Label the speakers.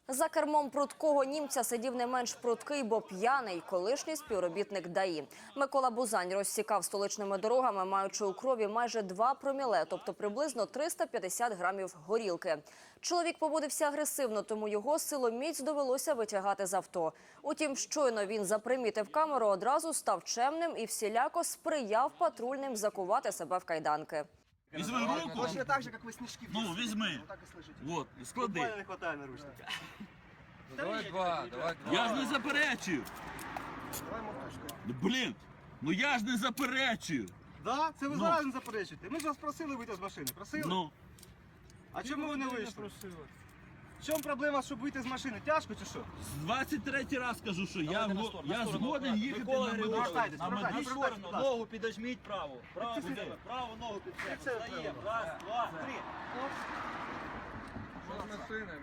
Speaker 1: За кермом прудкого німця сидів не менш прудкий, бо п'яний колишній співробітник ДАІ. Микола Бузань розсікав столичними дорогами, маючи у крові майже 2 проміле, тобто приблизно 350 грамів горілки. Чоловік поводився агресивно, тому його силоміць довелося витягати з авто. Утім, щойно він запримітив камеру, одразу став чемним і всіляко сприяв патрульним закувати себе в кайданки.
Speaker 2: Візьми руку.
Speaker 3: Точно так же, как вы снежки в
Speaker 2: Ну,
Speaker 3: детстве.
Speaker 2: візьми.
Speaker 3: Вот так и слышите.
Speaker 2: Вот, склади.
Speaker 3: Буквально не хватает наручника.
Speaker 4: Давай два.
Speaker 2: Я ж не заперечив.
Speaker 3: Давай моточкою.
Speaker 2: Блін, ну я ж не заперечив.
Speaker 3: Да? Це ви
Speaker 2: Ну.
Speaker 3: зараз не заперечуєте. Ми ж вас просили вийти з машини. Просили?
Speaker 2: Ну,
Speaker 3: А чому ви не вийшли? В чому проблема, щоб вийти з машини? Тяжко чи що?
Speaker 2: 23-й раз кажу, що я згоден їхати
Speaker 5: Микола
Speaker 2: на
Speaker 5: Григорович,
Speaker 3: Повертайтесь,
Speaker 2: на
Speaker 3: повертайтесь.
Speaker 2: медичну.
Speaker 5: Сторону, ногу підожміть праву. Праву,
Speaker 3: Це
Speaker 5: праву ногу
Speaker 3: Це
Speaker 5: підсядь. Встаємо.
Speaker 3: правильно.
Speaker 5: Раз, два, три.
Speaker 4: Машини.